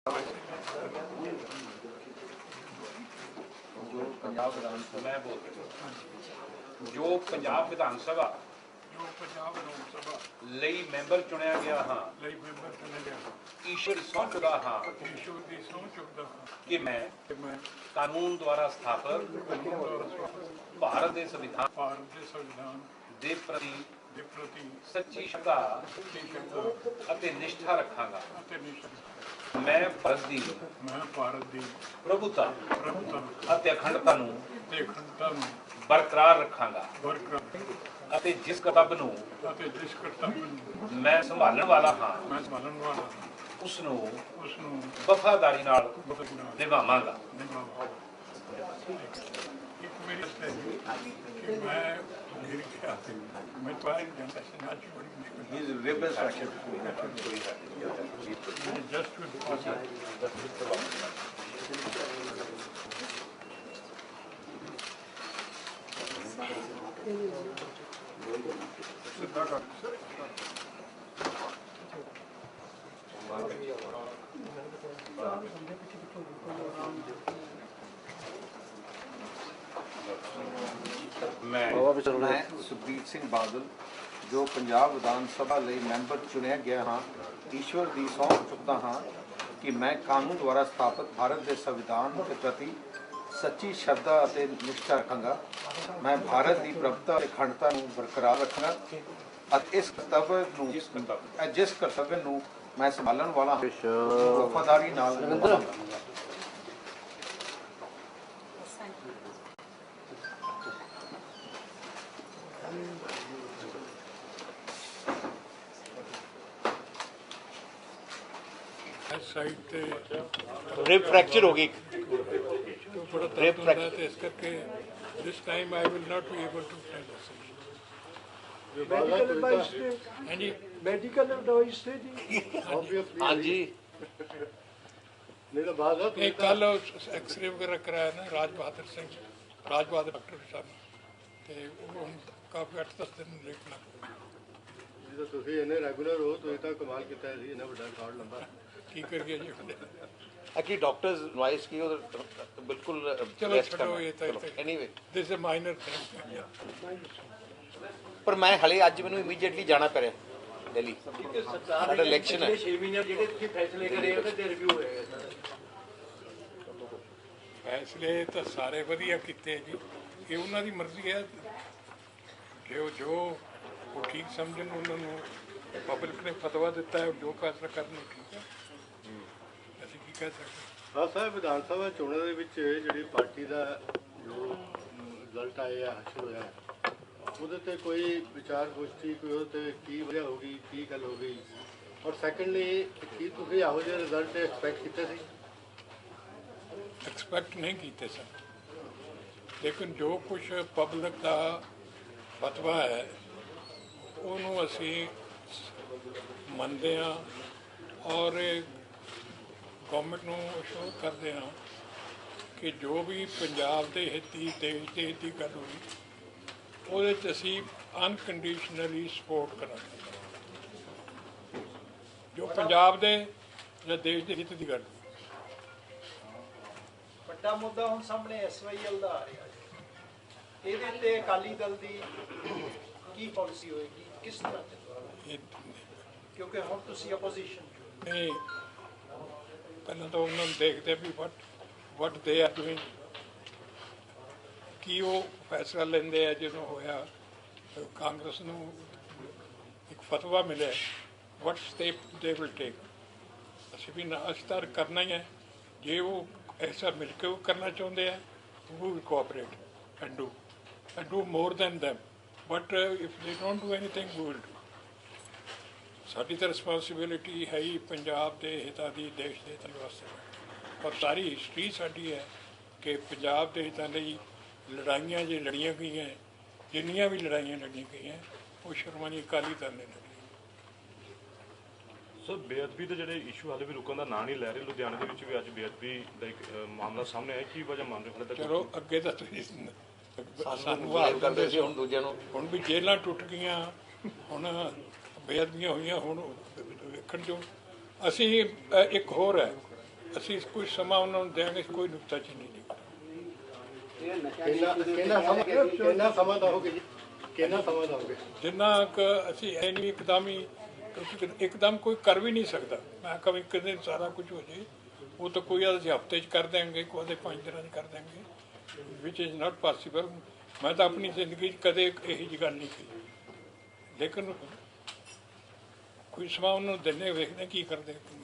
जो पंजाब विधान सभा ਲਈ ਮੈਂਬਰ ਚੁਣਿਆ ਗਿਆ ਹਾਂ ਈਸ਼ਵਰ ਸਹੁੰ ਚੁੱਕਦਾ ਹਾਂ ਕਿ ਮੈਂ ਕਾਨੂੰਨ ਦੁਆਰਾ ਸਥਾਪਿਤ ਭਾਰਤ ਦੇ ਸੰਵਿਧਾਨ ਦੇ ਪ੍ਰਤੀ ਸੱਚੀ ਸ਼ਰਧਾ ਅਤੇ ਨਿਸ਼ਠਾ ਰੱਖਾਂਗਾ। मैं भारत की प्रभुता ਅਤੇ ਅਖੰਡਤਾ ਨੂੰ ਬਰਕਰਾਰ ਰੱਖਾਂਗਾ ਅਤੇ ਜਿਸ ਕਰਤੱਵ ਨੂੰ ਮੈਂ ਸੰਭਾਲਣ ਵਾਲਾ ਹਾਂ ਉਸ ਨੂੰ ਵਫਾਦਾਰੀ ਨਾਲ ਨਿਭਾਵਾਂਗਾ। मैं सुखबीर सिंह बादल जो पंजाब विधान सभा ਲਈ ਮੈਂਬਰ ਚੁਣਿਆ ਗਿਆ ਹਾਂ ਈਸ਼ਵਰ ਦੀ ਸਹੁੰ ਚੁੱਕਦਾ ਹਾਂ ਕਿ ਮੈਂ ਕਾਨੂੰਨ ਦੁਆਰਾ ਸਥਾਪਿਤ ਭਾਰਤ ਦੇ ਸੰਵਿਧਾਨ ਦੇ ਪ੍ਰਤੀ ਸੱਚੀ ਸ਼ਰਧਾ ਅਤੇ ਨਿਸ਼ਠਾ ਰੱਖਾਂਗਾ। ਮੈਂ ਭਾਰਤ ਦੀ ਪ੍ਰਭੁਤਾ ਅਤੇ ਅਖੰਡਤਾ ਨੂੰ ਬਰਕਰਾਰ ਰੱਖਾਂਗਾ ਅਤੇ ਜਿਸ ਕਰਤੱਵ ਨੂੰ ਮੈਂ ਸੰਭਾਲਣ ਵਾਲਾ ਵਫਾਦਾਰੀ ਨਾਲ ਨਿਭਾਵਾਂਗਾ। रिब फ्रैक्चर होगी रिब फ्रैक्चर इस करके this time I will not be able to tell this. Medical advice थे हां जी मेडिकल एडवाइस थे जी हाँ जी मेरा बात है एक कल एक्सरे वगैरह कराया ना राज बहादुर डॉक्टर साहब ते ਹੁਣ ਕਾਫੀ 8-10 ਦਿਨ ਲੇਟ ਲੱਗ ਜਦੋਂ ਤੁਸੀਂ ਇਹਨੇ ਰੈਗੂਲਰ ਹੋ ਤੁਸੀਂ ਤਾਂ ਕਮਾਲ ਕੀਤਾ ਸੀ ਇਹਨਾਂ ਵੱਡਾ ਰਿਕਾਰਡ ਲੰਬਾ ਕੀ ਕਰੀਏ ਜੀ कि डॉक्टर्स एडवाइस की बिल्कुल चलो छोड़ो ये तो anyway this is minor thing पर मैं हले अज मैनू इमीडिएटली जाना पै रहा दिल्ली साडा इलेक्शन है 6 महीने ਜਿਹੜੇ ਤੁਸੀਂ ਫੈਸਲੇ ਕਰੇ ਉਹਦੇ ਤੇ ਰਿਵਿਊ ਹੋਏਗਾ ਫੈਸਲੇ ਤਾਂ ਸਾਰੇ ਵਧੀਆ ਕੀਤੇ ਜੀ ਇਹ ਉਹਨਾਂ ਦੀ ਮਰਜ਼ੀ ਹੈ ਜੋ ਉਹ ਠੀਕ ਸਮਝਣ ਉਹਨਾਂ ਨੂੰ ਪਬਲਿਕ ਨੇ ਫਤਵਾ ਦਿੱਤਾ ਹੈ ਜੋ ਫੈਸਲਾ ਕਰਨਾ ਠੀਕ ਹੈ ਅਸੀਂ ਕੀ ਕਹਿ ਸਕਦੇ ਹਾਂ ਸਾਹਿਬ ਵਿਧਾਨ ਸਭਾ ਚੋਣਾਂ ਦੇ ਵਿੱਚ ਜਿਹੜੀ ਪਾਰਟੀ ਦਾ ਜੋ ਰਿਜ਼ਲਟ ਆਇਆ ਹਾਸਲ ਹੋਇਆ ਉਹਦੇ ਤੇ ਕੋਈ ਵਿਚਾਰ ਗੋਸ਼ਟੀ ਕੋਈ ਉਹਦੇ ਤੇ ਕੀ ਵਜ੍ਹਾ ਹੋ ਗਈ ਕੀ ਗੱਲ ਹੋ ਗਈ ਔਰ ਸੈਕੰਡਲੀ ਕੀ ਤੁਸੀਂ ਇਹੋ ਜਿਹੇ ਰਿਜ਼ਲਟ ਐਕਸਪੈਕਟ ਕੀਤੇ ਸੀ ਐਕਸਪੈਕਟ ਨਹੀਂ ਕੀਤੇ ਸਨ ਲੇਕਿਨ ਜੋ ਕੁਝ ਪਬਲਿਕ ਦਾ ਫਤਵਾ ਹੈ ਉਹਨੂੰ ਅਸੀਂ ਮੰਨਦੇ ਹਾਂ ਔਰ ਗੌਰਮੈਂਟ ਨੂੰ ਅਸ਼ੋਰ ਕਰਦੇ ਹਾਂ ਕਿ ਜੋ ਵੀ ਪੰਜਾਬ ਦੇ ਹਿੱਤੀ ਦੇਸ਼ ਦੇ ਹਿੱਤੀ ਗੱਲ ਹੋਈ ਉਹਦੇ 'ਚ ਅਸੀਂ ਅਨਕੰਡੀਸ਼ਨਲੀ ਸਪੋਰਟ ਕਰਾਂਗੇ ਜੋ ਪੰਜਾਬ ਦੇ ਜਾਂ ਦੇਸ਼ ਦੇ ਹਿੱਤ ਦੀ ਗੱਲ ਵੱਡਾ ਮੁੱਦਾ ਹੁਣ ਸਾਹਮਣੇ ਐਸਵਾਈਐਲ ਦਾ ਆ ਰਿਹਾ ਇਹਦੇ ਤੇ ਅਕਾਲੀ ਦਲ ਦੀ ਕੀ ਪਾਲਿਸੀ ਹੋਏਗੀ ਕਿਸ ਤਰ੍ਹਾਂ ਕਿਉਂਕਿ ਹੁਣ ਤੁਸੀਂ ਆਪੋਜੀਸ਼ਨ ਨਹੀਂ ਪਹਿਲਾਂ ਤਾਂ ਉਹਨਾਂ ਨੂੰ ਦੇਖਦੇ ਵੀ ਵਟ ਦੇ ਆਰ ਡੂਇੰਗ ਕੀ ਉਹ ਫੈਸਲਾ ਲੈਂਦੇ ਆ ਜਦੋਂ ਹੋਇਆ ਕਾਂਗਰਸ ਨੂੰ ਇੱਕ ਫਤਵਾ ਮਿਲਿਆ ਵਟ ਸਟੈਪ ਦੇ ਵਿਲ ਟੇਕ ਅਸੀਂ ਵੀ ਅਸਤਰ ਕਰਨਾ ਹੀ ਹੈ ਜੇ ਉਹ ਐਸਾ ਮਿਲ ਕੇ ਉਹ ਕਰਨਾ ਚਾਹੁੰਦੇ ਆ we will cooperate and do more than them but if they don't do anything we will do ਸਾਡੀ ਤਾਂ ਰਿਸਪੌਂਸਿਬਿਲਿਟੀ ਹੈ ਹੀ ਪੰਜਾਬ ਦੇ ਹਿੱਤਾਂ ਦੀ ਦੇਸ਼ ਦੇ ਹਿੱਤਾਂ ਵਾਸਤੇ ਔਰ ਸਾਰੀ ਹਿਸਟਰੀ ਸਾਡੀ ਹੈ ਕਿ ਪੰਜਾਬ ਦੇ ਹਿੱਤਾਂ ਲਈ ਲੜਾਈਆਂ ਜੇ ਲੜੀਆਂ ਗਈਆਂ ਜਿੰਨੀਆਂ ਵੀ ਲੜਾਈਆਂ ਲੜੀਆਂ ਗਈਆਂ ਉਹ ਸ਼੍ਰੋਮਣੀ ਅਕਾਲੀ ਦਲ ਨੇ ਲੜੀਆਂ। ਸਰ ਬੇਅਦਬੀ ਦੇ ਜਿਹੜੇ ਇਸ਼ੂ ਹਾਲੇ ਵੀ ਰੁਕਣ ਦਾ ਨਾਂ ਨਹੀਂ ਲੈ ਰਹੇ ਲੁਧਿਆਣੇ ਦੇ ਵਿੱਚ ਵੀ ਅੱਜ ਬੇਅਦਬੀ ਦਾ ਇੱਕ ਮਾਮਲਾ ਸਾਹਮਣੇ ਆਇਆ ਕੀ ਵਜ੍ਹਾ ਮੰਨ ਰਹੇ ਹੋ? ਚਲੋ ਅੱਗੇ ਤਾਂ ਤੁਸੀਂ ਸਾਨੂੰ ਕਰਦੇ ਸੀ ਹੁਣ ਦੂਜਿਆਂ ਨੂੰ ਹੁਣ ਵੀ ਜੇਲਾਂ ਟੁੱਟ ਗਈਆਂ ਹੁਣ ਬੇਅਦਬੀਆਂ ਹੋਈਆਂ ਹੁਣ ਵੇਖਣ ਜੋ ਅਸੀਂ ਇੱਕ ਹੋਰ ਹੈ ਅਸੀਂ ਕੁਝ ਸਮਾਂ ਉਹਨਾਂ ਨੂੰ ਦੇਵਾਂਗੇ, ਕੋਈ ਨੁਕਤਾਚੀਨੀ ਨਹੀਂ ਕਰਾਂਗੇ। ਕਿੰਨਾ ਸਮਾਂ ਦਓਗੇ ਜੀ? ਕਿੰਨਾ ਸਮਾਂ ਦਓਗੇ? ਜਿੰਨਾ ਕੁ ਅਸੀਂ ਇਹ ਨਹੀਂ ਇੱਕਦਮ ਹੀ, ਕਿਉਂਕਿ ਇੱਕਦਮ ਕੋਈ ਕਰ ਵੀ ਨਹੀਂ ਸਕਦਾ। ਮੈਂ ਕभी ਇੱਕ ਦਿਨ ਸਾਰਾ ਕੁਝ ਹੋ ਜੇ, ਉਹ ਤਾਂ ਕੋਈ ਅਸੀਂ ਹਫ਼ਤੇ 'ਚ ਕਰ ਦੇਂਗੇ, ਕੋਈ 5 ਦਿਨਾਂ 'ਚ ਕਰ ਦੇਂਗੇ, ਵਿਚ ਇਜ਼ ਨਾਟ ਪੋਸੀਬਲ। ਮੈਂ ਤਾਂ ਆਪਣੀ ਜ਼ਿੰਦਗੀ 'ਚ ਕਦੇ ਇਹੋ ਜਿਹੀ ਗੱਲ ਨਹੀਂ ਕੀਤੀ, ਲੇਕਿਨ ਕੋਈ ਸਮਾਂ ਉਹਨੂੰ ਦਿੰਦੇ, ਵੇਖਦੇ ਕੀ ਕਰਦੇ।